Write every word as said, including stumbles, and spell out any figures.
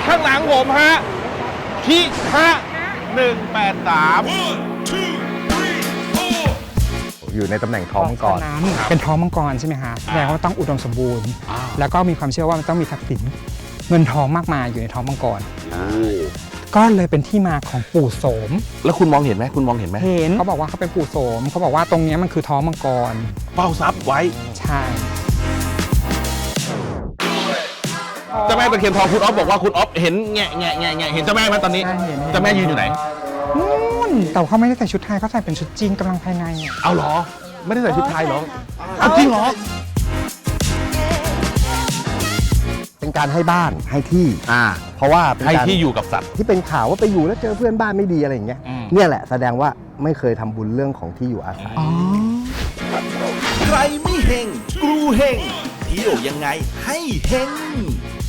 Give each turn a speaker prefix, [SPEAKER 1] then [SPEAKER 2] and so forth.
[SPEAKER 1] ข้างหลังผมฮะพิฆะหนึ่งแปดสาม
[SPEAKER 2] อยู่ในตำแหน่งท้องมังกร
[SPEAKER 3] น้ำเป็นท้องมังกรใช่ไหมคะแสดงว่าต้องอุดมสมบูรณ์ แล้วก็มีความเชื่อว่ามันต้องมีทรัพย์สินเงินทองมากมายอยู่ในท้องมังกรก็เลยเป็นที่มาของปู่โสม
[SPEAKER 1] แล้วคุณมองเห็นไหมคุณมองเห็นไหม
[SPEAKER 3] เห็นเขาบอกว่าเขาเป็นปู่โสมเขาบอกว่าตรงนี้มันคือท้องมังกร
[SPEAKER 1] เฝ้าทรัพย์ไว้
[SPEAKER 3] ใช่
[SPEAKER 1] เจ้าแม่ตะเคียนทองคุณอ๊อฟบอกว่าคุณอ๊อฟเห็นแงะแงะแงะแงะเห็นเจ้าแม่ไหมตอนนี้
[SPEAKER 3] ใช่เห็น
[SPEAKER 1] เจ้าแม่ยืนอยู่ไหน
[SPEAKER 3] นู่นแต่เขาไม่ได้ใส่ชุดไทยเขาใส่เป็นชุดจีนกำลังภายในอ่ะ
[SPEAKER 1] เอาเหรอไม่ได้ใส่ชุดไทยเหรอเอาจริงเหรอ
[SPEAKER 2] เป็นการให้บ้านให้ที่
[SPEAKER 1] อ่า
[SPEAKER 2] เพราะว่าเป็น
[SPEAKER 1] ให้
[SPEAKER 2] การ
[SPEAKER 1] ที่อยู่กับสัตว์
[SPEAKER 2] ที่เป็นข่าวว่าไปอยู่แล้วเจอเพื่อนบ้านไม่ดีอะไรอย่างเงี้ย
[SPEAKER 1] อืม
[SPEAKER 2] เนี่ยแหละแสดงว่าไม่เคยทำบุญเรื่องของที่อยู่อาศัย
[SPEAKER 4] ใครไม่เฮงกรูเฮงเที่ยวยังไงให้เฮง